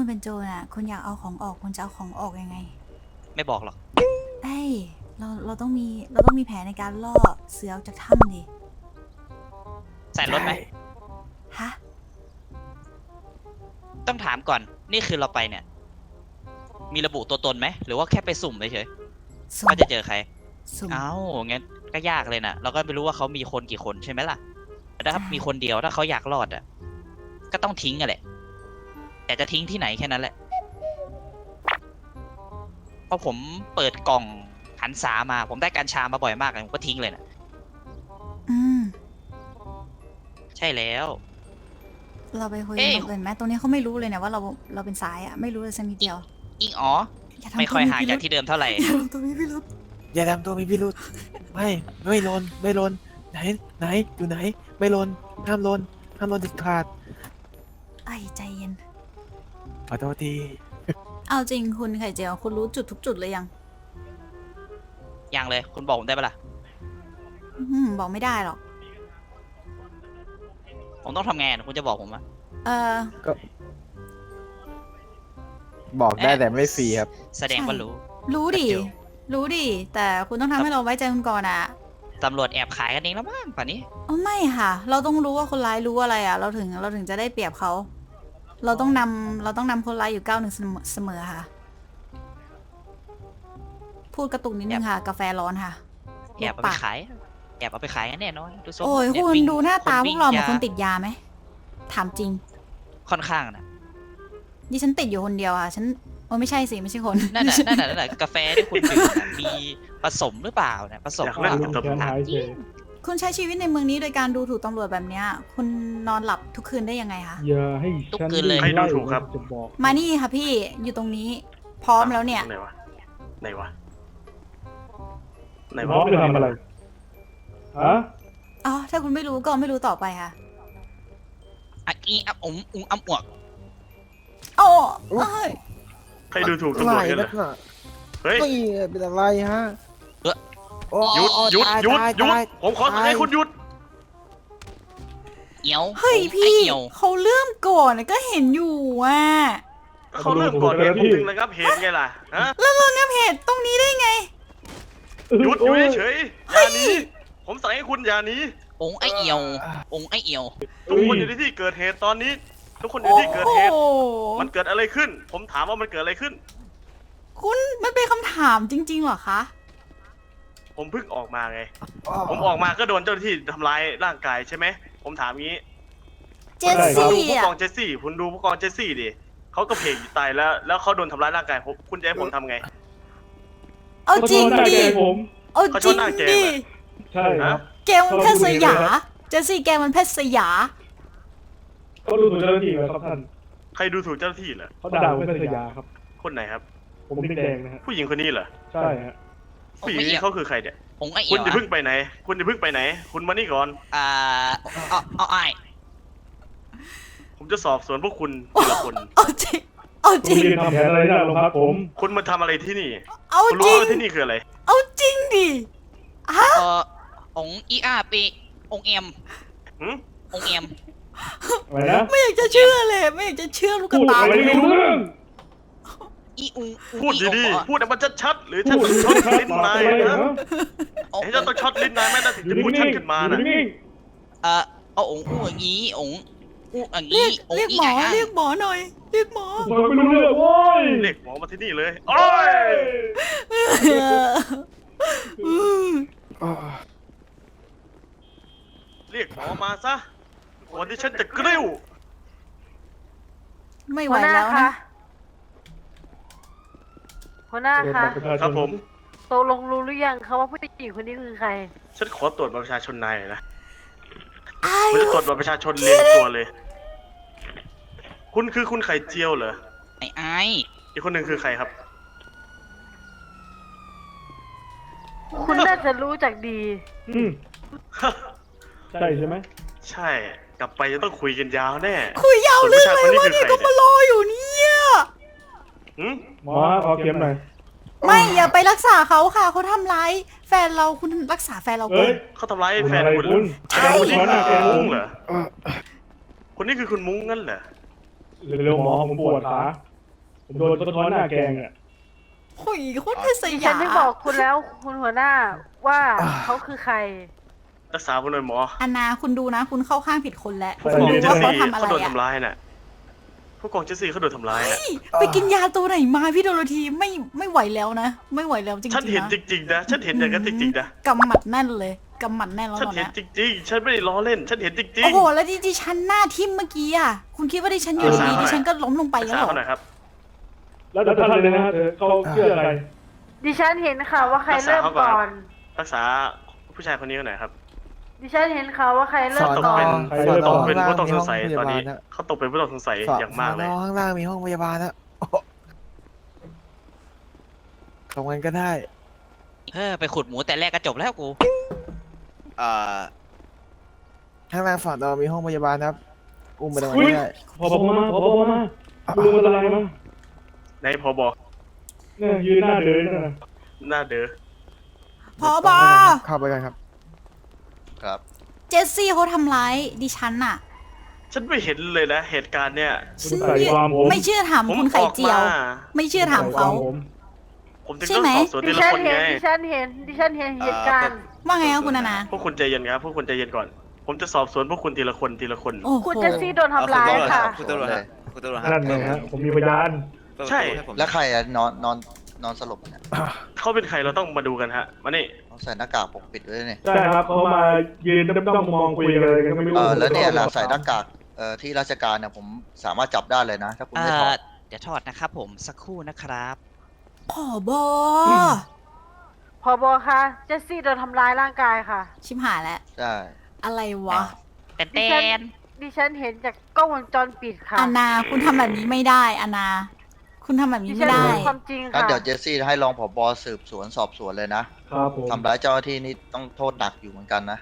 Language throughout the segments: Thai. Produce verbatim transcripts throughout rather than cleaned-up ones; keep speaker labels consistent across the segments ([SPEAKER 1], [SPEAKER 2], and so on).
[SPEAKER 1] คุณเป็นโจรอ่ะคุณอยากเอาของออกคุณจะเอาของออกยังไง
[SPEAKER 2] ไม่บอกหรอก
[SPEAKER 1] เอ้ยเราเราต้องมีเราต้องมีแผนในการล่อเสือออกจากถ้ำดิ
[SPEAKER 2] ใส่รถไหม
[SPEAKER 1] ฮะ
[SPEAKER 2] ต้องถามก่อนนี่คือเราไปเนี่ยมีระบุตัวตนไหมหรือว่าแค่ไปสุ่มเฉยๆว่าจะเจอใครเอ้างั้นก็ยากเลยนะเราก็ไม่รู้ว่าเขามีคนกี่คนใช่ไหมล่ะแต่ถ้ามีคนเดียวถ้าเขาอยากรอดอ่ะก็ต้องทิ้งกันแหละแต่จะทิ้งที่ไหนแค่นั้นแหละพอผมเปิดกล่องหันษามาผมได้กัญชามาบ่อยมากเลยผมก็ทิ้งเลยนะ
[SPEAKER 1] อืม
[SPEAKER 2] ใช่แล้ว
[SPEAKER 1] เราไปคุยกันอื่นไหมตรงนี้เขาไม่รู้เลยนะว่าเราเราเป็นสายอ่ะไม่รู้เลยสักนิดเดียว
[SPEAKER 2] อิงอ๋อไม่ค่อยห่างจากที่เดิมเท่าไหร่
[SPEAKER 1] อย่าทำตัวมีพิรุธ
[SPEAKER 3] อย่าทำตัวมีพิรุธไม่ไม่ลนไม่ลนไหนไหนอยู่ไหนไม่ลนห้ามลนห้ามลนเด็ดขาด
[SPEAKER 1] ไอ้ใจเย็น
[SPEAKER 3] ขอโทษที
[SPEAKER 1] เอาจริงคุณไข่เจียวคุณรู้จุดทุกจุดเลยยัง
[SPEAKER 2] ยังเลยคุณบอกผมได้ปะล่ะ
[SPEAKER 1] อืมบอกไม่ได้หรอก
[SPEAKER 2] ผมต้องทำไงคุณจะบอกผมอะ
[SPEAKER 1] เออ
[SPEAKER 3] ก็บอกได้แต่ไม่ฟรีครับ
[SPEAKER 2] แสดงว่ารู้
[SPEAKER 1] รู้ดิรู้ดิแต่คุณต้องทำให้เราไว้ใจคุณก่อนอะ
[SPEAKER 2] ตำรวจแอบขายกันเองแล้วมั้งป่านนี้
[SPEAKER 1] อ๋อไม่ค่ะเราต้องรู้ว่าคนร้ายรู้อะไรอะเราถึงเราถึงจะได้เปรียบเขาเราต้องนำเราต้องนำคนร้ายอยู่ก้าวหนึ่งเสมอค่ะพูดกระตุกนิดนึงค่ะกาแฟร้อนค่ะ
[SPEAKER 2] แอบเอาไปขายแอบเอาไปขายกันแน่นอนดู
[SPEAKER 1] โอ้ยคุณดูหน้าตาพวกเราเหมือนคนติดยาไหมถามจริง
[SPEAKER 2] ค่อนข้างนะ
[SPEAKER 1] ดิฉันติดอยู่คนเดียวอ่ะฉันโอ้ไม่ใช่สิไม่ใช่คน
[SPEAKER 2] นั่นแหละนั่นแหละนั่นแหละกาแฟที่คุณดื่มมีผสมหรือเปล่าเนี่ยผสมหรือเปล่า
[SPEAKER 1] คุณใช้ชีวิตในเมืองนี้โดยการดูถูกตำรวจแบบเนี้ยคุณนอนหลับทุกคืนได้ยังไงคะ
[SPEAKER 4] อย่าให้
[SPEAKER 2] ทุกคืนเลย
[SPEAKER 4] ให้
[SPEAKER 5] ดูถูกครับ
[SPEAKER 1] มานี่ค่ะพี่อยู่ตรงนี้พร้อมแล้วเนี่ย
[SPEAKER 5] ไหนวะไหนวะไหน
[SPEAKER 4] พร้
[SPEAKER 5] วะ
[SPEAKER 4] อมจะทำอะไรฮะ
[SPEAKER 1] อ๋อถ้าคุณไม่รู้ก็ไม่รู้ต่อไปค่ะ
[SPEAKER 2] อ่ะอีอ่ะอุ๋งอุ๋งอ่ำอวก
[SPEAKER 1] โอ้เอ้ย
[SPEAKER 5] ใครดูถูกตำรวจกันเหรอเฮ้ย
[SPEAKER 3] เป็นอะไรฮะ
[SPEAKER 5] หยุดหยุดหยุดหยุดผมขอสั่งให้คุณหยุด
[SPEAKER 2] เอี่ยว
[SPEAKER 1] เฮ้ยพี่เขาเริ่มก่อนก็เห็นอยู่อ่ะ
[SPEAKER 5] เขาเริ่มก่อนเหตุผมถึงระงับเหตุไงล่ะฮะ
[SPEAKER 1] แล้วระงับเหตุตรงนี้ได้ไง
[SPEAKER 5] หยุดอยู่เฉยอย่านี้ผมสั่งให้คุณอย่านี้
[SPEAKER 2] องค์ไอเอี่ยวองค์ไอเอี่ยว
[SPEAKER 5] ทุกคนอยู่ในที่เกิดเหตุตอนนี้ทุกคนอยู่ที่เกิดเหตุมันเกิดอะไรขึ้นผมถามว่ามันเกิดอะไรขึ้น
[SPEAKER 1] คุณมันเป็นคำถามจริงๆเหรอคะ
[SPEAKER 5] ผมเพิ่งออกมาไงผมออกมาก็โดนเจ้าหน้าที่ทำร้ายร่างกายใช่ไหมผมถามงี้
[SPEAKER 1] เจสซี่
[SPEAKER 5] ผู้กองเจสซี่คุณดูผู้กองเจสซี่ดิเขาก็เพลงอยู่ตายแล้วแล้วเขาโดนทำร้ายร่างกายผมคุณจะให้ผมทำไง
[SPEAKER 1] เอาจริงดิเอาจริงดิ
[SPEAKER 4] ใช่ครับ
[SPEAKER 1] แกมันแพทย์สยาเจสซี่แกมันแพทย์สยา
[SPEAKER 4] เขาดูถูกเจ้าหน้าที่เหรอครับท่าน
[SPEAKER 5] ใครดูถูกเจ้าหน้าที่เหรอ
[SPEAKER 4] เขาด่าเป็นสยาครับ
[SPEAKER 5] คนไหนครับ
[SPEAKER 4] ผมแดงนะฮะ
[SPEAKER 5] ผู้หญิงคนนี้เหรอ
[SPEAKER 4] ใช่ฮะ
[SPEAKER 5] ผู้หญิงนี้เขาคือใครเนี่ย
[SPEAKER 2] องค์ไอเอี่
[SPEAKER 5] ยวคุณจะพึ่งไปไหนคุณจะพึ่งไปไหนคุณมานี่ก่อน
[SPEAKER 2] อ่าเอาเอาไอ
[SPEAKER 5] ผมจะสอบสวนพวกคุณทีละคน
[SPEAKER 1] เอาจริงเอาจริง
[SPEAKER 4] ทำแผนอะไรนะโรงพักผม
[SPEAKER 5] คุณมาทำอะไรที่นี่
[SPEAKER 1] เอาจริง
[SPEAKER 5] ที่นี่คืออะไร
[SPEAKER 1] เอาจริงดิฮะ
[SPEAKER 2] เออองค์อีอาปีองค์เอ็มองค์เอ็ม
[SPEAKER 4] อะไรนะ
[SPEAKER 1] ไม่อยากจะเชื่อเลยไม่อยากจะเชื่อลูกตา
[SPEAKER 4] อะไรไม่รู้เรื่อง
[SPEAKER 2] อีอุง
[SPEAKER 5] พูดดีๆพูดให้มันชัดๆหรือฉันต้องช็อตลิ้นนายนะให้ฉันต้องช็อตลิ้นนายแม่น่าถึงจะพูดชัดขึ้นมานะ
[SPEAKER 2] เออเอาองค์อู้อย่างนี้องค์อู้อย่าง
[SPEAKER 1] นี้เรียกหมอเรียกหมอหน่อยเรียกหมอ
[SPEAKER 4] ไม่รู้เรื่องโว้ย
[SPEAKER 5] เรียกหมอมาที่นี่เลยโอ้ยเรียกหมอมาซะก่อนที่ฉันจะกริ้ว
[SPEAKER 1] ไม่ไหวแล้วนะ
[SPEAKER 6] หัวหน้าคะ
[SPEAKER 5] ครับผม
[SPEAKER 6] ตกลงรู้หรือยังคะว่าผู้หญิงคนนี้คือใคร
[SPEAKER 5] ฉันขอตรวจบัตรประชาชนนายหน่อยนะผมจะตรวจบัตรประชาชนเรียงตัวเลยคุณคือคุณไข่เจียวเหรอ
[SPEAKER 2] ไอ้ไอ
[SPEAKER 5] อีกคนหนึ่งคือใครครับ
[SPEAKER 6] คุณน่าจะรู้จักดี
[SPEAKER 4] อืมใช่ใช่ไหม
[SPEAKER 5] ใช่กลับไปจะต้องคุยกันยาวแน่
[SPEAKER 1] คุยยาวเรื่องอะไรวะนี่ก็มารออยู่เนี่ย
[SPEAKER 4] หมอขอเข็มหน่อย
[SPEAKER 1] ไม่อย่าไปรักษาเขาค่ะเขาทำร้ายแฟนเราคุณรักษาแฟนเราก่อน
[SPEAKER 5] เขาทำร้ายแฟนคุณ
[SPEAKER 1] ใช่
[SPEAKER 5] คนนี้คือคุณมุ้งเหรอคนนี้คือคุณมุ้งงั้นเหรอ
[SPEAKER 4] เร็วหมอผมปวดขาผมโดนสะท้อนหน้าแกงอ่ะ
[SPEAKER 1] โอ้ยโคตรเป็นส
[SPEAKER 6] ดิ
[SPEAKER 1] ยา
[SPEAKER 6] ฉันได้บอกคุณแล้วคุณหัวหน้าว่าเขาคือใคร
[SPEAKER 5] รักษาผมหน่อยหมอ
[SPEAKER 1] อันนาคุณดูนะ คุณเข้าข้างผิดคนแล้ว
[SPEAKER 5] ผู้
[SPEAKER 1] คุณ
[SPEAKER 5] กอง
[SPEAKER 1] รู้
[SPEAKER 5] เจส
[SPEAKER 1] ว่าเขา
[SPEAKER 5] ซี่
[SPEAKER 1] ทำอะไร
[SPEAKER 5] เขาโดน
[SPEAKER 1] อะ
[SPEAKER 5] ทำร้ายน่ะผู้กองเจสซี่เขาโดนทำร้ายน่ะ
[SPEAKER 1] ไปกินยาตัวไหนมาพี่โดโรธีไม่ไม่ไหวแล้วนะ ไม่ไหวแล้วจริงๆ
[SPEAKER 5] ฉันเห็น
[SPEAKER 1] นะ
[SPEAKER 5] จริงๆนะฉันเห็นอย่างนั้นจริงๆนะ
[SPEAKER 1] กำหมัดแน่นเลยกำหมัดแน่นแล้ว
[SPEAKER 5] ฉัน
[SPEAKER 1] ตอน
[SPEAKER 5] เห็น
[SPEAKER 1] เนี้ย
[SPEAKER 5] จริงๆ ฉันไม่ได้ล้อเล่น ฉันเห็นจริง
[SPEAKER 1] โอ้โหแล้วดิดิฉันหน้าทิ่มเมื่อกี้อ่ะคุณคิดว่าดิฉันอยู่
[SPEAKER 5] รักษา
[SPEAKER 1] ดีๆ
[SPEAKER 5] หน่อย
[SPEAKER 1] ดิฉันก็ล้มลงไป
[SPEAKER 5] ๆรัก
[SPEAKER 1] แล้ว
[SPEAKER 5] ษา
[SPEAKER 1] เหรอ
[SPEAKER 5] เขาหน่อยครับ
[SPEAKER 4] แล้วแต่ท่านเลยนะฮะเธอเขาเชื่ออะไร
[SPEAKER 6] ดิฉันเห็นค่ะว่าใครเริ่มก่อน
[SPEAKER 5] รักษาผู้ชายคนนี้เขาหน่อยครับ
[SPEAKER 6] ดิฉันเห็นค่ะว่าใครเริ่
[SPEAKER 5] เขา
[SPEAKER 6] ม
[SPEAKER 5] ตก
[SPEAKER 6] ก่อ
[SPEAKER 5] เป็น
[SPEAKER 6] น
[SPEAKER 4] ใคร
[SPEAKER 5] เขา
[SPEAKER 4] เริ่ม
[SPEAKER 5] ตก
[SPEAKER 4] ก่อน
[SPEAKER 5] เป็นผู้ต้องสง
[SPEAKER 3] ข้างล่าง
[SPEAKER 5] สัย
[SPEAKER 3] มีห้
[SPEAKER 5] ต
[SPEAKER 3] อง
[SPEAKER 5] อนนี้
[SPEAKER 3] พยาบาลนะ
[SPEAKER 5] เขาตกเป็นผู้ต้องสงสัยอย่างมากเลย
[SPEAKER 3] ข้างล่างมีห้องพยาบาลนะโอ้โหตรงนั้นก็ได้
[SPEAKER 2] เออไปขุดหมูแต่แรกก็จบแล้วกู
[SPEAKER 7] เอ่อ
[SPEAKER 3] ข้างล่างฝั่งเรามีห้องพยาบาลนะครับ อุ้มไปตรงนั้น
[SPEAKER 4] อุ๊ย
[SPEAKER 3] ได้
[SPEAKER 4] พอบอกมาพอบอกมาคุณลุงเป็นอะไรมา
[SPEAKER 5] ในพบ
[SPEAKER 4] เนี่ยยืนหน้าเดินนั่นน่ะ
[SPEAKER 5] หน้าเด้อ
[SPEAKER 1] พอบอ
[SPEAKER 3] เข้าไปกันครับ
[SPEAKER 7] ครับ
[SPEAKER 1] เจสซี่เขาทำร้ายดิฉันน่ะ
[SPEAKER 5] ฉันไม่เห็นเลยนะเหตุการณ์เนี่ย
[SPEAKER 4] คุณ
[SPEAKER 1] ฉัน
[SPEAKER 4] ใส่ความผม
[SPEAKER 1] ไม่เชื่อถาม
[SPEAKER 5] ผม
[SPEAKER 1] คุณ
[SPEAKER 5] อ
[SPEAKER 1] ไข่
[SPEAKER 5] อก
[SPEAKER 1] เจียว
[SPEAKER 5] มา
[SPEAKER 1] ไม่เชื่อถามเขา
[SPEAKER 4] ผม
[SPEAKER 5] ผมถึง
[SPEAKER 1] ใช่
[SPEAKER 5] ต้อง
[SPEAKER 1] ไหม
[SPEAKER 5] สอบสวน
[SPEAKER 6] ดิ
[SPEAKER 5] ทีละ
[SPEAKER 6] ฉัน
[SPEAKER 5] คน
[SPEAKER 6] เห็น
[SPEAKER 5] ไง
[SPEAKER 6] ดิฉันเห็นดิฉันเห็นเหตุการณ์
[SPEAKER 1] ว่าไงคะคุณนานา
[SPEAKER 5] พวกคุณใจเย็นครับพวกคุณใจเย็นก่อน ผมจะสอบสวนพวกคุณทีละคนทีละคน
[SPEAKER 1] โอ้โห
[SPEAKER 6] คุณเจสซี่โดนทำร้ายค่ะ
[SPEAKER 7] คุณตำรวจครับคุณตำรวจครับ
[SPEAKER 4] นั่นไงฮะผมมีพยาน
[SPEAKER 5] ใช่
[SPEAKER 7] แล้วใครอะนอนนอนนอนสลบเนี่ย
[SPEAKER 5] เขาเป็นใครเราต้องมาดูกันฮะ มานี่
[SPEAKER 7] เขาใส่หน้ากากปกปิดไว้เนี่ย
[SPEAKER 4] ใช่ครับเขามายืนด้อมๆมองคุยกันอะไรกันก็ไม่รู้
[SPEAKER 7] เออแล้วเนี่ยเราใส่หน้ากากเอ่อที่ราชการเนี่ยผมสามารถจับได้เลยนะ ถ้าคุณ
[SPEAKER 2] เอ
[SPEAKER 7] ไม่ถอ
[SPEAKER 2] อ
[SPEAKER 7] ด
[SPEAKER 2] เดี๋ยวทอดนะครับผมสักครู่นะครับ
[SPEAKER 1] ผอบอ
[SPEAKER 6] พอบอคะเจสซี่โดนทำร้ายร่างกายค่ะ
[SPEAKER 1] ชิบหายแล้ว
[SPEAKER 7] ใช่
[SPEAKER 1] อะไรวะ
[SPEAKER 2] แต่
[SPEAKER 6] ดิ
[SPEAKER 2] แต
[SPEAKER 6] ฉัน
[SPEAKER 2] น
[SPEAKER 6] ดิฉันเห็นจากกล้องวงจรปิดค่ะ
[SPEAKER 1] อานาคุณทำแบบนี้ไม่ได้อานา คุณทำแบบ
[SPEAKER 6] ดิ
[SPEAKER 1] นี้
[SPEAKER 6] ฉั
[SPEAKER 1] ไม่
[SPEAKER 6] น
[SPEAKER 1] ได้
[SPEAKER 6] รู้ความจริง
[SPEAKER 7] งั้น
[SPEAKER 6] ค่ะ
[SPEAKER 7] เดี๋ยวเจสซี่ให้รองผบสืบสวนสอบสวนเลยนะครับ
[SPEAKER 4] ผม
[SPEAKER 7] ทำร้ายเจ้าหน้าที่นี่ต้องโทษหนักอยู่เหมือนกันนะ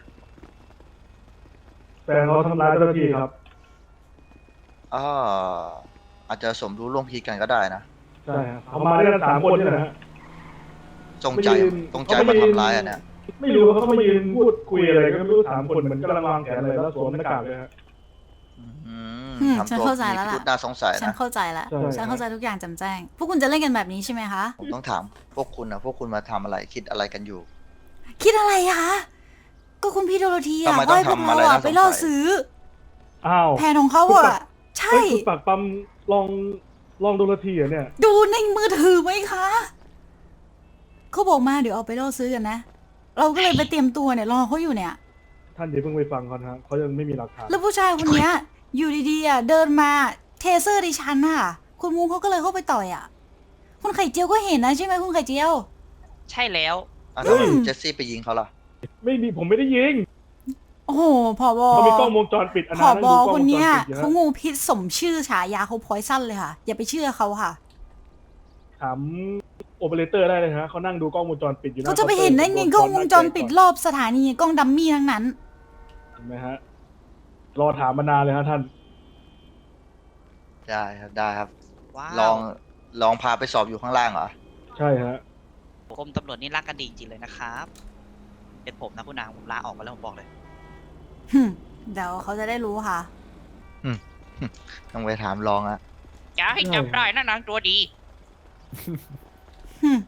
[SPEAKER 4] แต่เขาทำร้ายเจ้าหน้าที่ครับ
[SPEAKER 7] อ่าอาจจะสมรู้ร่วมคิดกันก็ได้นะ
[SPEAKER 4] ใช่ครับเขามาด้วยกันสามคนนี่แหละฮะ
[SPEAKER 7] จงใจ
[SPEAKER 4] ไม่ยืน
[SPEAKER 7] จงใจ
[SPEAKER 4] เขาไม่
[SPEAKER 7] มา
[SPEAKER 4] ยืน
[SPEAKER 7] ทำร้ายอ่ะเนี่ย
[SPEAKER 4] ไม่รู้เขามายืนพูดคุยอะไรก็ไม่รู้สามคนเหมือนกำลังวางแผนอะไรแล้วสวมหน้ากากเลยฮะ
[SPEAKER 7] อืม
[SPEAKER 1] อืม
[SPEAKER 7] ทำ
[SPEAKER 1] ฉัน
[SPEAKER 7] ตัว
[SPEAKER 1] เข้าใจ
[SPEAKER 7] มี
[SPEAKER 1] แล้ว
[SPEAKER 7] พิ
[SPEAKER 1] ล่ะ
[SPEAKER 7] รุธน่าสงสัย
[SPEAKER 1] ฉัน
[SPEAKER 7] นะ
[SPEAKER 1] เข้าใจแล้ว
[SPEAKER 4] ใช่
[SPEAKER 1] ฉันเข้าใจทุกอย่างแจำแจ้ง พวกคุณจะเล่นกันแบบนี้ใช่ไหมคะ
[SPEAKER 7] ผมต้องถามพวกคุณนะพวกคุณมาทำอะไรคิดอะไรกันอยู่
[SPEAKER 1] คิดอะไรอะคะ ก็คุณพี่โดโรธี
[SPEAKER 7] ทำ
[SPEAKER 1] อะ
[SPEAKER 7] ไม
[SPEAKER 1] ก็ให้พ
[SPEAKER 7] ต้
[SPEAKER 1] ว
[SPEAKER 7] อก ง
[SPEAKER 1] เรา
[SPEAKER 7] ทำอะไร
[SPEAKER 1] อะ
[SPEAKER 7] น่าสงสัย
[SPEAKER 1] ไปล่อซื้อ
[SPEAKER 4] อ้าว
[SPEAKER 1] แผนของเขาอะใช่
[SPEAKER 4] เฮ้ยคุณปากปั๊มลองลองดูนาทีเหรอเนี่ย
[SPEAKER 1] ดูในมือถือไหมคะ เขาบอกมาเดี๋ยวเอาไปล่อซื้อกันนะ เราก็เลยไปเตรียมตัวเนี่ยรอเขาอยู่เนี่ย
[SPEAKER 4] ท่านอย่าเพิ่งไปฟังเขานะฮะเขายังไม่มีหลักฐาน
[SPEAKER 1] แล้วผู้ชายคนเนี้ย อยู่ดีๆอะเดินมาเทเซอร์ดิฉันอะคุณมูเขาก็เลยเข้าไปต่อยอะคุณไข่เจียวก็เห็นนะใช่ไหมคุณไข่เจียว
[SPEAKER 2] ใช่แล้ว
[SPEAKER 7] อ่ะ
[SPEAKER 1] อื
[SPEAKER 7] แล้ว
[SPEAKER 1] ม
[SPEAKER 7] เจสซี่ไปยิงเขาล่ะ
[SPEAKER 4] ไม่มีผมไม่ได้ยิง
[SPEAKER 1] โอ้โหผอบอ
[SPEAKER 4] เขามีกล้องวงจรปิดอัน
[SPEAKER 1] ผ
[SPEAKER 4] นั้
[SPEAKER 1] อน บ
[SPEAKER 4] ดู
[SPEAKER 1] อก
[SPEAKER 4] ล้อง
[SPEAKER 1] ค
[SPEAKER 4] วน งจร
[SPEAKER 1] เนี้ย
[SPEAKER 4] ปิดอยู่
[SPEAKER 1] เขา
[SPEAKER 4] ฮะ
[SPEAKER 1] งูพิษสมชื่อฉายาเขาพอยสั้นเลยค่ะ อย่าไปเชื่อเขาค่ะ
[SPEAKER 4] ถามโอเปอเรเตอร์ได้เลยฮะเขานั่งดูกล้องวงจรปิดอยู่หน้
[SPEAKER 1] เขาจะไปเห็นได้ไงกล้องวงจรปิดรอบสถานีกล้องดัมมี่ทั้งนั้น
[SPEAKER 4] เห็นไหมฮะรอถามมานานเลยฮะท่าน
[SPEAKER 7] ได้ครับได้ครับ
[SPEAKER 2] ว้าว
[SPEAKER 7] ลองลองพาไปสอบอยู่ข้างล่างเหรอ
[SPEAKER 4] ใช่ฮะ
[SPEAKER 2] กรมตำรวจนี่รักกันดีจริงๆเลยนะครับเป็นผมนะคุณนางผมลาออกมาแล้วผมบอกเลย
[SPEAKER 1] หึ่มเดี๋ยวเขาจะได้รู้ค่ะ
[SPEAKER 7] ต้องไปถามลองอะ
[SPEAKER 2] อย่าให้จับได้นะนางตัวดี
[SPEAKER 1] หึ่ม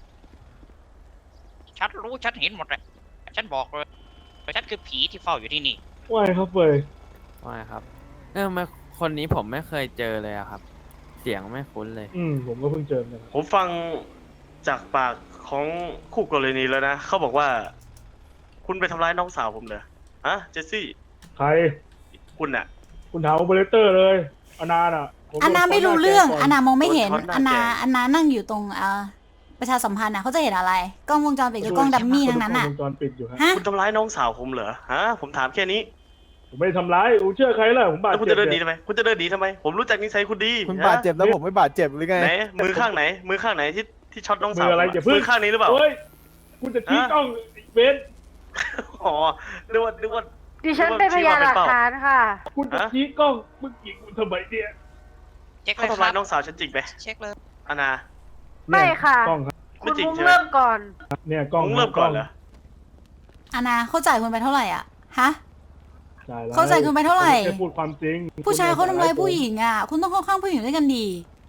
[SPEAKER 2] ฉันรู้ฉันเห็นหมดเลยฉันบอกเลยฉันคือผีที่เฝ้าอยู่ที่นี่
[SPEAKER 4] ว่ายครับเฟย
[SPEAKER 8] ว่าไงครับเออมาคนนี้ผมไม่เคยเจอเลยอะครับ เสียงไม่คุ้นเลย
[SPEAKER 4] อืมผมก็เพิ่งเจอเนี่ย
[SPEAKER 5] ผมฟังจากปากของคู่กรณีแล้วนะ เขาบอกว่า คุณไปทำร้ายน้องสาวผมเหรอฮะเจสซี่
[SPEAKER 4] ใคร
[SPEAKER 5] คุณน่ะ
[SPEAKER 4] คุณถามโอเปอเรเตอร์เลยอนาน่ะผม
[SPEAKER 1] อันนา
[SPEAKER 4] โด
[SPEAKER 1] ไม่รู้
[SPEAKER 4] ข้
[SPEAKER 1] เรื่อง
[SPEAKER 4] แกก่
[SPEAKER 1] อันนามองไม่เห็น
[SPEAKER 5] โดนช็อตหน้า
[SPEAKER 1] อันนา
[SPEAKER 5] แกง
[SPEAKER 1] อันนานั่งอยู่ตรงเอ่อประชาสัมพันธ์นะเขาจะเห็นอะไร กล้องวงจรปิดกับกล้องดัมมี่ทั้งนั้นอ่ะ
[SPEAKER 4] กล้องวงจรปิดอยู่ฮะ
[SPEAKER 1] ฮะ
[SPEAKER 5] คุณทำร้ายน้องสาวผมเหรอฮะผมถามแค่นี้
[SPEAKER 4] ผมไม่ได้ทำร้ายผมเชื่อใครล่ะผมบาด
[SPEAKER 5] แล้วคุณ
[SPEAKER 4] เจ็บ
[SPEAKER 5] จะเดินหนี
[SPEAKER 4] เนี่ย
[SPEAKER 5] ทำไมคุณจะเดินหนีทำไม ผมรู้จักนิสัยคุณดี
[SPEAKER 3] คุณ
[SPEAKER 5] ฮะ
[SPEAKER 3] บาดเจ็บแล้วผมไม่บาดเจ็บหรือไง
[SPEAKER 5] ไหนมือข้างไหน มือข้างไหนที่ที่ช็อตน้อง
[SPEAKER 4] มื
[SPEAKER 5] สาว
[SPEAKER 4] ออะไร
[SPEAKER 5] ผม
[SPEAKER 4] อย่าเพิ่ง
[SPEAKER 5] มือข้างนี้หรือเปล่า
[SPEAKER 4] เฮ้ยคุณจะชี้
[SPEAKER 5] ฮะ
[SPEAKER 4] กล้องเบน
[SPEAKER 5] อ๋อนึกว่านึกว่า
[SPEAKER 6] ดิฉันเป็นพยานหลักฐานค่ะ
[SPEAKER 4] คุณจะ
[SPEAKER 5] ฮะ
[SPEAKER 4] ชี้กล้องมึงยิงคุณทำไมเนี่ย
[SPEAKER 2] เช็คเล
[SPEAKER 5] เขา
[SPEAKER 2] ยค
[SPEAKER 5] ทำร้า
[SPEAKER 2] รั
[SPEAKER 5] ย
[SPEAKER 2] บ
[SPEAKER 5] น้องสาวฉันจริงไหม
[SPEAKER 2] เช็คเลย
[SPEAKER 5] อานา
[SPEAKER 6] ไม่ค่ะ
[SPEAKER 4] กล้องครับ
[SPEAKER 6] คุ
[SPEAKER 5] ไม่
[SPEAKER 6] ณ
[SPEAKER 5] จริง
[SPEAKER 6] มุ้ง
[SPEAKER 5] ใช่ไหม
[SPEAKER 6] เริ่มก่อน
[SPEAKER 4] เนี่ยกล้อง
[SPEAKER 5] มึงเริ่มก่อนเหรอ
[SPEAKER 1] อันนาเข้าจ่ายคุณไปเท่าไหร่อ่ะ ฮะ
[SPEAKER 4] จ่ายแล้ว
[SPEAKER 1] เข้าใจคุณไปเท่าไหร่
[SPEAKER 4] แค่พูดความจริง
[SPEAKER 1] ผู้ชายเขาทำร้ายผู้หญิงอ่ะ คุณต้องเข้าข้างผู้หญิงด้วยกันดี
[SPEAKER 5] เขา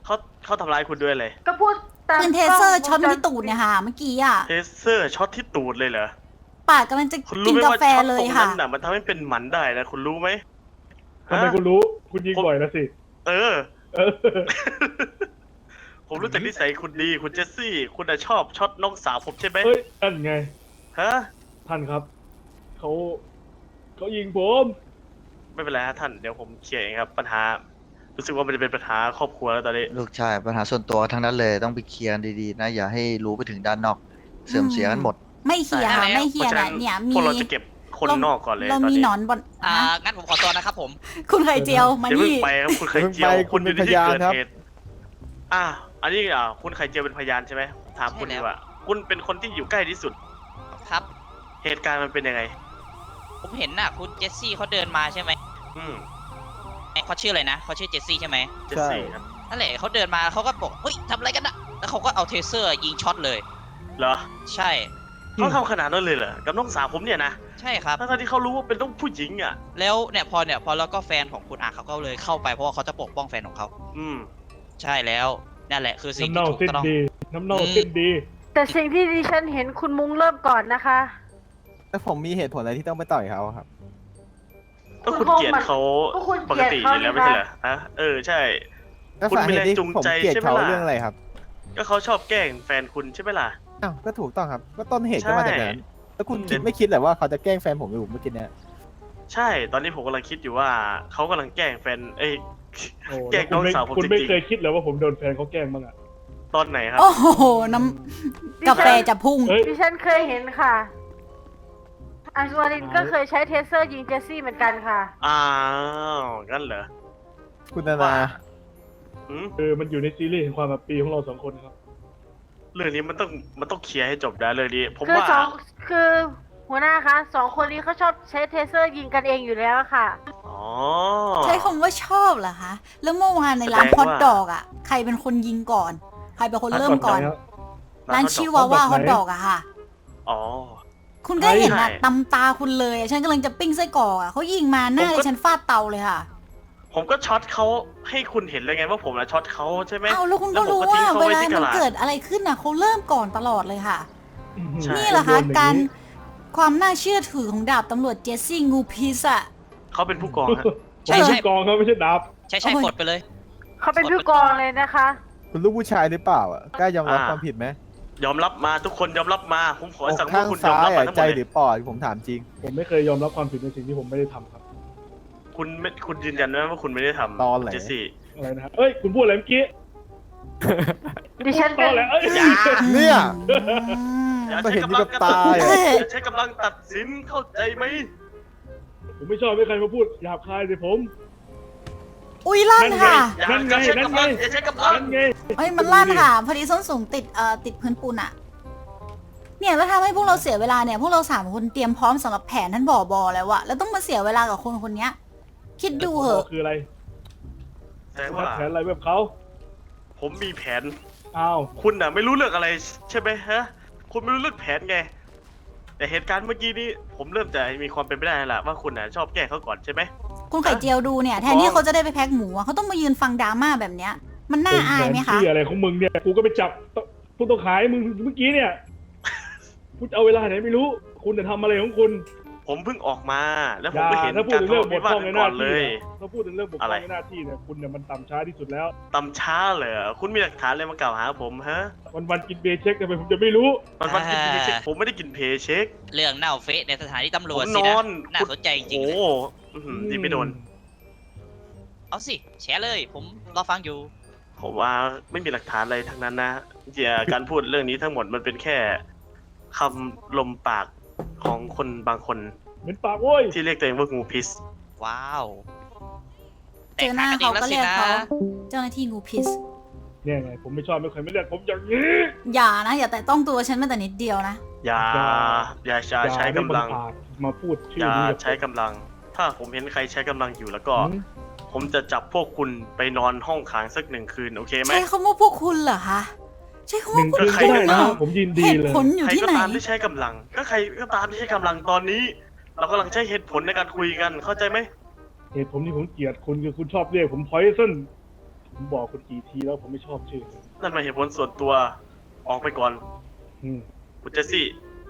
[SPEAKER 5] เขาทำร้ายคุณด้วยเลย
[SPEAKER 6] ก็พูดตาม
[SPEAKER 1] ปืนเทเซอร์ช็อต
[SPEAKER 6] กล้
[SPEAKER 1] ที่ตูดเนี่ยค่ะเมื่อกี้อ่ะ
[SPEAKER 5] เทเซอร์ช็อตที่ตูดเลยเหรอ
[SPEAKER 1] ปากกำลังจะ
[SPEAKER 5] คุณ
[SPEAKER 1] กิ
[SPEAKER 5] รู้
[SPEAKER 1] น
[SPEAKER 5] ไหม
[SPEAKER 1] กา
[SPEAKER 5] ว่า
[SPEAKER 1] แฟ
[SPEAKER 5] ช็อต
[SPEAKER 1] เล
[SPEAKER 5] ตร
[SPEAKER 1] ย
[SPEAKER 5] ง
[SPEAKER 1] ค่ะ
[SPEAKER 5] นั้นน่ะมันทำให้เป็นหมันได้นะคุณรู้ไหม
[SPEAKER 4] ทำไมคุณรู้ คุณยิงบ่อยนะสิ
[SPEAKER 5] เออ
[SPEAKER 4] เออ
[SPEAKER 5] ผมรู้จักนิสัยคุณดีคุณเจสซี่ คุณน่ะชอบช็อตน้องสาวผมใช่ไหม
[SPEAKER 4] เฮ้ยนั่นไง
[SPEAKER 5] ฮะ
[SPEAKER 4] ท่านครับ เขาเขายิงผม
[SPEAKER 5] ไม่เป็นไรฮะท่านเดี๋ยวผมเคลียร์เองครับ ปัญหา รู้สึกว่ามันจะเป็นปัญหาครอบครัวแล้วตอนนี้
[SPEAKER 7] ลูกชายปัญหาส่วนตัวทั้งนั้นเลยต้องไปเคลียร์ดีๆนะ อย่าให้รู้ไปถึงด้านนอก เสื่อมเสียกันหมด
[SPEAKER 1] ไม่เขียร์ค่ะไม่เขียร์
[SPEAKER 5] เพราะฉะ
[SPEAKER 1] นะ
[SPEAKER 5] นั้น
[SPEAKER 1] เนี่ย
[SPEAKER 5] พ
[SPEAKER 1] มี
[SPEAKER 5] วกเราจะเก็บคนนอกก่อนเลย
[SPEAKER 1] เรา
[SPEAKER 5] ตอน
[SPEAKER 1] มี
[SPEAKER 5] นี้
[SPEAKER 1] หนอนบน
[SPEAKER 2] อ่า
[SPEAKER 1] ฮะ
[SPEAKER 2] งั้นผมขอตัวนะครับผม
[SPEAKER 1] คุณไข่เจียวมา
[SPEAKER 5] เดี๋ยวเพิ่ง
[SPEAKER 1] นี่
[SPEAKER 5] ไปครับคุณไข่เจียว
[SPEAKER 3] เพิ่งไป
[SPEAKER 5] คุณอยู่ในที่
[SPEAKER 3] คุณเป็นพยาน
[SPEAKER 5] เกิด
[SPEAKER 3] ครับ
[SPEAKER 5] เหตุอ่ะอันนี้อ่ะคุณไข่เจียวเป็นพยานใช่ไหมถามคุณ
[SPEAKER 2] ใช่
[SPEAKER 5] ดี
[SPEAKER 2] แล้ว
[SPEAKER 5] กว่า คุณเป็นคนที่อยู่ใกล้ที่สุด
[SPEAKER 2] ครับ
[SPEAKER 5] เหตุการณ์มันเป็นยังไง
[SPEAKER 2] ผมเห็นน่ะคุณเจสซี่เขาเดินมาใช่ไหม
[SPEAKER 5] อืม
[SPEAKER 2] เขาชื่ออะไรนะเขาชื่อเจสซี่ใช่ไหม
[SPEAKER 5] เจสซี่ครับ
[SPEAKER 2] นั่นแหละเขาเดินมาเขาก็บอกเฮ้ยทำอะไรกันนะแล้วเขาก็เอาเทเซอร์ยิงช็อตเลย
[SPEAKER 5] เหรอ
[SPEAKER 2] ใช่
[SPEAKER 5] เขาทำขนาดนั้นเลยเหรอ กับน้องสาวผมเนี่ยนะ
[SPEAKER 2] ใช่ครับ
[SPEAKER 5] ทั้งๆที่เขารู้ว่าเป็นต้องผู้หญิงอ่ะ
[SPEAKER 2] แล้วเนี่ยพอเนี่ยพอแล้วก็แฟนของคุณอาเขาก็เลยเข้าไปเพราะว่าเขาจะปกป้องแฟนของเขา
[SPEAKER 5] อืม
[SPEAKER 2] ใช่แล้วนั่นแหละคือสิ่ง
[SPEAKER 4] น้ำ
[SPEAKER 2] ที่
[SPEAKER 4] เน่า
[SPEAKER 2] ถูก
[SPEAKER 4] เส้น
[SPEAKER 2] ต้อง
[SPEAKER 4] ดี น้ำเน่า
[SPEAKER 2] อืม
[SPEAKER 4] เส้นดี
[SPEAKER 6] แต่สิ่งที่ดิฉันเห็นคุณมุ้งเริ่มก่อนนะคะ
[SPEAKER 3] แล้วผมมีเหตุผลอะไรที่ต้องไปต่อยเขาครับ
[SPEAKER 5] ก็คุณเกลียดเขา
[SPEAKER 6] ก็คุณ
[SPEAKER 5] ป
[SPEAKER 6] เก
[SPEAKER 5] ก
[SPEAKER 6] ลียด
[SPEAKER 5] ติอ
[SPEAKER 6] เขา
[SPEAKER 5] ยู่แล้ว
[SPEAKER 6] นี่
[SPEAKER 5] ไม่
[SPEAKER 6] คะ
[SPEAKER 5] ใช่เหรอฮะเออใช่
[SPEAKER 3] แล้ว
[SPEAKER 5] คุณ
[SPEAKER 3] สา
[SPEAKER 5] มี
[SPEAKER 3] เห
[SPEAKER 5] แร
[SPEAKER 3] ตุ
[SPEAKER 5] ง
[SPEAKER 3] ที่
[SPEAKER 5] จูง
[SPEAKER 3] ผม
[SPEAKER 5] ใจ
[SPEAKER 3] เกลียด
[SPEAKER 5] ใช่ไหม
[SPEAKER 3] เขา
[SPEAKER 5] ล่ะ
[SPEAKER 3] เรื่องอะไรครับ
[SPEAKER 5] ก็เขาชอบแกล้งแฟนคุณใช่ไหมล่ะ
[SPEAKER 3] อ้าวก็ถูกต้องครับ ก็ต้นเหตุก็มาจากนั้นแล้วคุณคิดไม่คิดเลยว่าเขาจะแกล้งแฟนผมอยู่เมื่อกี้เนี่ย
[SPEAKER 5] ใช่ ตอนนี้ผมกำลังคิดอยู่ว่าเขากำลังแกล้งแฟน เอ้ย
[SPEAKER 4] โอ้
[SPEAKER 5] แกล้งน้องสาวผม
[SPEAKER 4] คุณ
[SPEAKER 5] จ
[SPEAKER 4] ไม่
[SPEAKER 5] ริง
[SPEAKER 4] เคยคิดเลยว่าผมโดนแฟนเขาแกล้งบ้างอะ
[SPEAKER 5] ๆ ตอนไหนครับ
[SPEAKER 1] โอ้โหน้ำกาแฟจะพุ่ง
[SPEAKER 4] เฮ้ย
[SPEAKER 6] ดิฉันเคยเห็นค่ะอัญชวรินก็เคยใช้เทเซอร์ยิงเจสซี่เหมือนกันค่ะ
[SPEAKER 5] อ้าวงั้นเหรอ
[SPEAKER 3] คุณนานา
[SPEAKER 5] อืม
[SPEAKER 4] เออมันอยู่ในซีรีส์แห่งความแบบปีของเราสองคนครับ
[SPEAKER 5] เรื่องนี้มันต้องมันต้องเคลียร์ให้จบนะเรื่องนี้ ผม
[SPEAKER 6] คือ
[SPEAKER 5] ว่า
[SPEAKER 6] สองคือหัวหน้าคะสองคนนี้เขาชอบใช้เทเซอร์ยิงกันเองอยู่แล้วค่ะ
[SPEAKER 5] อ๋อ
[SPEAKER 1] ใช้คำว่าชอบเหรอคะ แล้วเมื่อวานในร้าน
[SPEAKER 5] แสดง
[SPEAKER 1] ฮอต
[SPEAKER 5] ว่า
[SPEAKER 1] ดอกอ่ะ ใครเป็นคนยิงก่อน ใครเป็นคนเริ่มก่อน
[SPEAKER 4] ร้าน
[SPEAKER 1] ร้านชิวาว่าฮอตดอกอะค่ะ
[SPEAKER 5] อ๋อ
[SPEAKER 1] คุณก็เห็นอะ
[SPEAKER 5] ใช่
[SPEAKER 1] ตำตาคุณเลยอะฉันกำลังจะปิ้งไส้กรอกอะเขายิงมาหน้า
[SPEAKER 5] ผม
[SPEAKER 1] เล
[SPEAKER 5] ก็
[SPEAKER 1] ยฉันฟาดเตาเลยค่ะ
[SPEAKER 5] ผมก็ช็อตเขาให้คุณเห็นเลยไงว่าผมนะช็อตเขาใช่ไหม
[SPEAKER 1] เอาแล้วคุณก็
[SPEAKER 5] ผม
[SPEAKER 1] รู้
[SPEAKER 5] ทิ้
[SPEAKER 1] ว่าง
[SPEAKER 5] เขา
[SPEAKER 1] เว
[SPEAKER 5] ไว้
[SPEAKER 1] ลา
[SPEAKER 5] ที่ก
[SPEAKER 1] มัน
[SPEAKER 5] ระดาษ
[SPEAKER 1] เกิดอะไรขึ้นอะเขาเริ่มก่อนตลอดเลยค่ะ
[SPEAKER 5] ใช่
[SPEAKER 1] นี่แหละคะการความน่าเชื่อถือของดาบตำรวจเจสซี่งูพิษอะ
[SPEAKER 5] เขาเป็นผู้กองฮะ
[SPEAKER 4] ใช่ใช่กองเขาไม่ใช่ดาบ
[SPEAKER 2] ใช่ใช่
[SPEAKER 1] โอ้ย
[SPEAKER 2] ปลดไปเลย
[SPEAKER 6] เขาเป็นผู้กองเลยนะคะ
[SPEAKER 3] คุณลูกผู้ชายหรือเปล่าอ่ะกล้ายอมรับ
[SPEAKER 5] อ่า
[SPEAKER 3] ความผิดไหม
[SPEAKER 5] ยอมรับมาทุกคนยอมรับมา ผมขอ
[SPEAKER 3] อก
[SPEAKER 5] สั่งว่า
[SPEAKER 3] ข้าง
[SPEAKER 5] คุณยอ
[SPEAKER 3] ซ้าม
[SPEAKER 5] รับ
[SPEAKER 3] ย
[SPEAKER 5] มา
[SPEAKER 3] อ่ะ
[SPEAKER 5] ทั้งห
[SPEAKER 3] ใจ
[SPEAKER 5] มด
[SPEAKER 3] ห
[SPEAKER 5] เล
[SPEAKER 3] รื
[SPEAKER 5] ย
[SPEAKER 3] อปอดผมถามจริง
[SPEAKER 4] ผมไม่เคยยอมรับความผิดในสิ่งที่ผมไม่ได้ทำครับ
[SPEAKER 5] คุณไม่คุณยืนยันไหมว่าคุณไม่ได้ทำ
[SPEAKER 3] ตอนไหน
[SPEAKER 5] เจสซี่
[SPEAKER 4] อะไรนะฮะเอ้ย คุณพูดอะไรเมื่อกี้
[SPEAKER 6] ดิฉัน
[SPEAKER 4] ต
[SPEAKER 6] เป็
[SPEAKER 4] อน นแหละเอ้ย
[SPEAKER 5] อย่า
[SPEAKER 3] เนี่ย
[SPEAKER 1] อืม
[SPEAKER 5] อย่า
[SPEAKER 3] ก็
[SPEAKER 5] ใช้
[SPEAKER 3] เห็น
[SPEAKER 5] กำลัง
[SPEAKER 3] กับตา
[SPEAKER 5] อย่
[SPEAKER 3] อ่ะ
[SPEAKER 5] าใช้กำลังตัดสินเข้าใจไหม
[SPEAKER 4] ผมไม่ชอบให้ใครมาพูดหยาบคายสิผม
[SPEAKER 1] อุ้ยลั่นค่ะ
[SPEAKER 5] อย่า
[SPEAKER 4] นั่นไง
[SPEAKER 5] อย่าใช้
[SPEAKER 4] นั่น
[SPEAKER 5] กำ
[SPEAKER 4] ไง
[SPEAKER 5] ลังอย่าใช้กำลัง
[SPEAKER 4] นั่นไง
[SPEAKER 1] เอ้ยมันลั่นค่ะ พอดีส้นสูงติดเอ่อติดพื้นปูนอะเนี่ยแล้วทำให้พวกเราเสียเวลาเนี่ย พวกเราสามคนเตรียมพร้อมสำหรับแผนท่านบอบอแล้วอะแล้วต้องมาเสียเวลากับคนคนเนี้ย คิดดูเหอะ
[SPEAKER 4] คืออะไร
[SPEAKER 5] แสดง
[SPEAKER 4] วั
[SPEAKER 5] ว่า
[SPEAKER 4] ดแผนอะไรแบบเขา
[SPEAKER 5] ผมมีแผน
[SPEAKER 4] อ้าว
[SPEAKER 5] คุณน่ะไม่รู้เรื่องอะไรใช่ไหมฮะ คุณไม่รู้เรื่องแผนไง แต่เหตุการณ์เมื่อกี้นี้ผมเริ่มจะมีความเป็นไปได้แล้วล่ะว่าคุณน่ะชอบแกล้งเขาก่อนใช่ไหม
[SPEAKER 1] คุณไข่เจียวดูเนี่ยแทนที่เขาจะได้ไปแพ็คหมูอะเขาต้องมายืนฟังดราม่าแบบเนี้ย มันน่าอายไหมคะ
[SPEAKER 4] ที่อะไรของมึงเนี่ย กูก็ไปจับผู้ต้องหาให้มึงเมื่อกี้เนี่ยพูดเอาเวลาไหนไม่รู้ คุณจะทำอะไรของคุณ
[SPEAKER 5] ผมเพิ่งออกมา แล้ว
[SPEAKER 4] อ
[SPEAKER 5] ผม
[SPEAKER 4] ย่า
[SPEAKER 5] ก็เห็น
[SPEAKER 4] ถ้าพูด
[SPEAKER 5] การ
[SPEAKER 4] ถึง
[SPEAKER 5] ทะ
[SPEAKER 4] เรื่อง
[SPEAKER 5] เลาะ
[SPEAKER 4] บ
[SPEAKER 5] วิ
[SPEAKER 4] ก
[SPEAKER 5] วา
[SPEAKER 4] พ
[SPEAKER 5] ท
[SPEAKER 4] ร่อง
[SPEAKER 5] กั
[SPEAKER 4] ใน
[SPEAKER 5] น
[SPEAKER 4] ห
[SPEAKER 5] ก่
[SPEAKER 4] น้า
[SPEAKER 5] อนเล
[SPEAKER 4] ที่
[SPEAKER 5] ย
[SPEAKER 4] เนี่ยถ้าพูดถึงเรื่องบกพ
[SPEAKER 5] อะ
[SPEAKER 4] ร่
[SPEAKER 5] ไร
[SPEAKER 4] องในหน้าที่เนี่ยคุณเนี่ยมันต่ำช้าที่สุดแล้ว
[SPEAKER 5] ตำช้าเลยเหรอคุณมีหลักฐานอะไรมากล่าวหาผมฮะ
[SPEAKER 4] วันวันๆกินเบย์เช็คทำไมผมจะไม่รู้
[SPEAKER 5] วันวันๆกินเพย์เช็ค
[SPEAKER 2] อ่า
[SPEAKER 5] ผมไม่ได้กินเพย์เช็ค
[SPEAKER 2] เรื่องเน่าเฟะในสถานีตำร
[SPEAKER 5] ผ
[SPEAKER 2] วจ
[SPEAKER 5] ม
[SPEAKER 2] สิ
[SPEAKER 5] น
[SPEAKER 2] นะ
[SPEAKER 5] อน
[SPEAKER 2] น่าสนใจจริงๆ
[SPEAKER 5] โอ้
[SPEAKER 2] เลย
[SPEAKER 5] โหอื้อหือดีไม่โดน
[SPEAKER 2] เอาสิแชร์เลย ผมรอฟังอยู่
[SPEAKER 5] ผมว่าไม่มีหลักฐานอะไรทั้งนั้นนะเจียการพูดเรื่องนี้ทั้งหมดมันเป็นแค่คำลมปากของคนบางคน
[SPEAKER 4] เป็นปากโว้ย
[SPEAKER 5] ที่เรียกตัวเองว่างูพิษ
[SPEAKER 2] ว้าว
[SPEAKER 1] เจอหน้าเขาก็เรียกเขาเจ้าหน้าที่งูพิษ
[SPEAKER 4] เนี่ยไงผมไม่ชอบไม่เคยไม่เรียกผมอย่างนี้
[SPEAKER 1] อย่านะ อย่าแต่ต้องตัวฉันแม้แต่นิดเดียวนะ
[SPEAKER 5] อย่า อย่าอย่าใช้กำลัง
[SPEAKER 4] อย่าได้บังอาจมาพูดชื่
[SPEAKER 5] อ
[SPEAKER 4] อย่าง นี้กับ
[SPEAKER 5] ใช้กำลัง ถ้าผมเห็นใครใช้กำลังอยู่แล้วก็
[SPEAKER 4] หืม
[SPEAKER 5] ผมจะจับพวกคุณไปนอนห้องขังสักหนึ่งคืน โอเคไหม
[SPEAKER 1] ใช้คำว่าพวกคุณเหรอคะ ใช้คำ
[SPEAKER 4] ห
[SPEAKER 1] ว่า
[SPEAKER 4] นึ่ง
[SPEAKER 1] พวก
[SPEAKER 4] คืน
[SPEAKER 1] คุ
[SPEAKER 4] ก็
[SPEAKER 1] ณ
[SPEAKER 4] ได้
[SPEAKER 1] เหร
[SPEAKER 4] นะ
[SPEAKER 1] อ
[SPEAKER 4] ผมยินดี
[SPEAKER 1] เหตุ
[SPEAKER 4] เลย
[SPEAKER 1] ผลอยู่
[SPEAKER 5] ใคร
[SPEAKER 1] ที่
[SPEAKER 5] ก็
[SPEAKER 1] ไหน
[SPEAKER 5] ตามที่ใช้กำลัง ก็ใครก็ตามที่ใช้กำลังตอนนี้ เรากำลังใช้เหตุผลในการคุยกัน เข้าใจไหม
[SPEAKER 4] เหตุผมที่ผมเกลียดคุณคือคุณชอบเรียกผมพอยซันผมบอกคุณกี่ทีแล้วผมไม่ชอบชื่อ
[SPEAKER 5] นั่นเป็นเหตุผลส่วนตัว ออกไปก่อน
[SPEAKER 4] อืม
[SPEAKER 5] คุณเจสซี่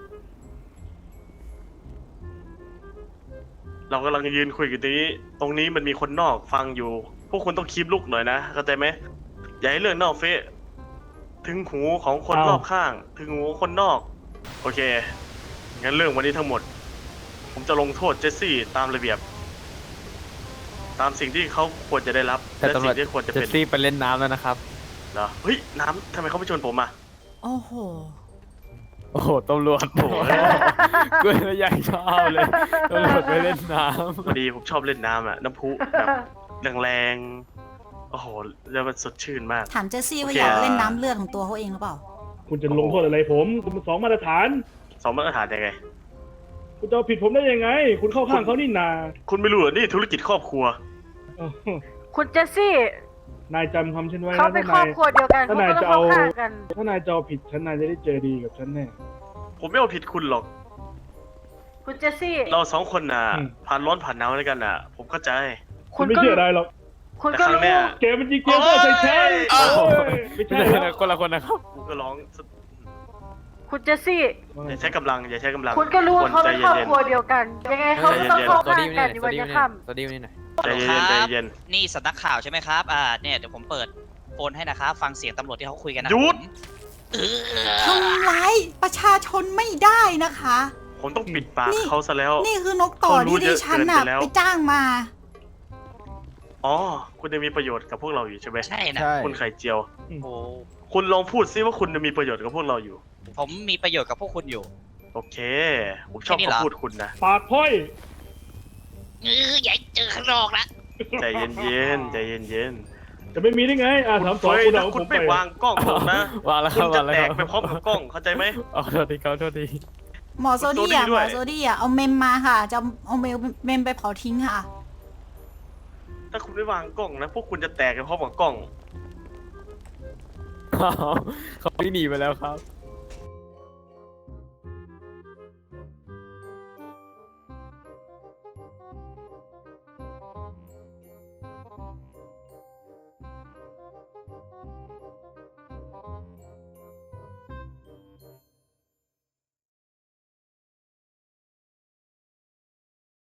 [SPEAKER 5] เรากำลังยืนคุยกันตรงนี้ ตรงนี้มันมีคนนอกฟังอยู่ พวกคุณต้องคีบลุกหน่อยนะเข้าใจไหมอย่าให้เรื่องนอกเฟะถึงหูของคนรอบข้าง ถึงหูคนนอก โอเค งั้นเรื่องวันนี้ทั้งหมด ผมจะลงโทษเจสซี่ตามระเบียบ ตามสิ่งที่เขาควรจะได้รับ
[SPEAKER 8] แต่
[SPEAKER 5] และ
[SPEAKER 8] ตำร
[SPEAKER 5] สิ่
[SPEAKER 8] วจ
[SPEAKER 5] งที่ควรจะ
[SPEAKER 8] เจ
[SPEAKER 5] เป็
[SPEAKER 8] ส
[SPEAKER 5] น
[SPEAKER 8] ซี่ไปเล่นน้ำแล้วนะครับ
[SPEAKER 5] เหรอ เฮ้ย น้ำทำไมเขาไม่ชวนผมอ่ะ
[SPEAKER 1] โอ้โห
[SPEAKER 8] โอ้โหตำรวจ
[SPEAKER 5] โอ้โห
[SPEAKER 8] กูเลยอยากชอบเลยตำรวจไปเล่นน้
[SPEAKER 5] พอดีผมชอบเล่นน้ำอ่ะ น้ำพุแบบแรงๆ โอ้โห แล้วมันสดชื่นมาก
[SPEAKER 1] ถามเจสซี่ว่า
[SPEAKER 5] โอเค
[SPEAKER 1] อยากเล่นน้ำเลือดของตัวเขาเองหรือเปล่า
[SPEAKER 4] คุณจะลงโทษอะไรผมคุณเป็นสองมาตรฐาน
[SPEAKER 5] สองมาตรฐานยังไง
[SPEAKER 4] คุณจะเอาผิดผมได้ยังไง คุณเข้าข้างเขานี่นา
[SPEAKER 5] คุณไม่รู้เหรอนี่ธุรกิจครอบครัว
[SPEAKER 4] อ้าว
[SPEAKER 6] คุณเจสซี่
[SPEAKER 4] นายจำคำฉันไว้
[SPEAKER 6] เขา
[SPEAKER 4] นะ
[SPEAKER 6] เป็น
[SPEAKER 4] ถ้า
[SPEAKER 6] ครอน
[SPEAKER 4] าย
[SPEAKER 6] บครัวเดียวกัน
[SPEAKER 4] ถ้า
[SPEAKER 6] เขา
[SPEAKER 4] นาย
[SPEAKER 6] ก็ต้อง
[SPEAKER 4] จะเอา
[SPEAKER 6] เข้าข้างกัน
[SPEAKER 4] ถ้านายจะเอาผิดฉันนายจะได้เจอดีกับฉันแน่
[SPEAKER 5] ผมไม่เอาผิดคุณหรอก
[SPEAKER 6] คุณเจสซี่
[SPEAKER 5] เราสองคนน่ะ
[SPEAKER 4] อืม
[SPEAKER 5] ผ่านร้อนผ่านหนาวด้วยกันน่ะ ผมเข้าใจ
[SPEAKER 4] คุณไม่เชื่ออะไรหรอก
[SPEAKER 6] คุณ
[SPEAKER 5] แต่
[SPEAKER 6] ก็
[SPEAKER 5] ครั้ง
[SPEAKER 6] รู้
[SPEAKER 5] เนี้ย
[SPEAKER 4] แกมันยิงเกมเพื่อใส่ฉัน
[SPEAKER 5] โอ้
[SPEAKER 4] โอ้
[SPEAKER 5] ย
[SPEAKER 4] ยไม่
[SPEAKER 8] ำ
[SPEAKER 4] ใช่
[SPEAKER 8] ไม่ใช่
[SPEAKER 4] แล้ว
[SPEAKER 8] คนละคนนะครับ
[SPEAKER 5] กูก็ร้อง
[SPEAKER 6] คุณเจสซี่
[SPEAKER 5] อย่าใช้กำลัง อย่าใช้กำลัง
[SPEAKER 6] คุณก็รู้ว่าเขาเป็นครอบ
[SPEAKER 5] ใจ
[SPEAKER 6] ครัวเดียวกัน ยังไงเขาก็ต้องเข้า
[SPEAKER 8] ตัว
[SPEAKER 6] ข้าง
[SPEAKER 8] ดี
[SPEAKER 6] กัน
[SPEAKER 8] นี่
[SPEAKER 6] ใน
[SPEAKER 8] ตัว
[SPEAKER 6] วัน
[SPEAKER 8] ดี
[SPEAKER 6] จะ
[SPEAKER 8] นี่
[SPEAKER 6] ค่
[SPEAKER 8] ตัวดีนี่หน่อย
[SPEAKER 5] เย็นๆใจเย็น
[SPEAKER 2] นี่สำนักข่าวใช่ไหมครับ อ่า เนี่ยเดี๋ยวผมเปิดโฟนให้นะครับ ฟังเสียงตำรวจที่เขาคุยกันนะ
[SPEAKER 5] หยุด
[SPEAKER 2] เออ
[SPEAKER 1] ทำร้ายประชาชนไม่ได้นะคะ
[SPEAKER 5] ผมต้องปิดปาก
[SPEAKER 1] นี่
[SPEAKER 5] เขาซะแล้ว
[SPEAKER 1] นี่คือนกต่อ
[SPEAKER 5] เขารู้
[SPEAKER 1] ที่ดิฉันน่ะ
[SPEAKER 5] เยอะเกินไปแล้ว
[SPEAKER 1] ไปจ้างมา
[SPEAKER 5] อ๋อ คุณจะมีประโยชน์กับพวกเราอยู่ใช่ไหม
[SPEAKER 2] ใช่นะ
[SPEAKER 5] คุณไข่เจียว
[SPEAKER 2] โอ้
[SPEAKER 5] คุณลองพูดซิว่าคุณจะมีประโยชน์กับพวกเราอยู่
[SPEAKER 2] ผมมีประโยชน์กับพวกคุณอยู่
[SPEAKER 5] โอเค ผมชอบ
[SPEAKER 2] แค่นี้เหรอ
[SPEAKER 5] คำพูดคุณนะ
[SPEAKER 4] ปากพ้อย
[SPEAKER 2] เอออย่าเจอข้างนอกนะ
[SPEAKER 5] ใจเย็นๆใจเย็น
[SPEAKER 4] จะไม่มีได้ไง อ่า
[SPEAKER 5] ๆ
[SPEAKER 4] ถาม
[SPEAKER 5] คุณ
[SPEAKER 4] สอง
[SPEAKER 5] เฟย
[SPEAKER 4] คุณ
[SPEAKER 5] ถ้า
[SPEAKER 4] เอา
[SPEAKER 5] คุ
[SPEAKER 4] ผ
[SPEAKER 5] ณ
[SPEAKER 4] ม
[SPEAKER 5] ไม่
[SPEAKER 4] ไป
[SPEAKER 5] วางกล้องผมนะ
[SPEAKER 8] วางแล้วค
[SPEAKER 5] คุ
[SPEAKER 8] รับ
[SPEAKER 5] ณจะ
[SPEAKER 8] วางแล้ว
[SPEAKER 5] แต
[SPEAKER 8] ค
[SPEAKER 5] ก
[SPEAKER 8] รับ
[SPEAKER 5] ไปพร้อมกับกล้อง เข้าใจไหม
[SPEAKER 8] อ๋อโทษทีครับโทษที
[SPEAKER 1] หมอโซดี้
[SPEAKER 5] โซดี้
[SPEAKER 1] อ่ะห
[SPEAKER 5] ด้
[SPEAKER 1] ม
[SPEAKER 5] ว
[SPEAKER 1] อย โซดี้อ่ะเอาเมมมาค่ะ จะเอาเมลเมมไปเผาทิ้งค่ะ
[SPEAKER 5] ถ้าคุณไม่วางกล้องนะ พวกคุณจะแตกไปพร้อมกับกล้อง
[SPEAKER 8] เขาวิ่งหนีไปแล้วครับ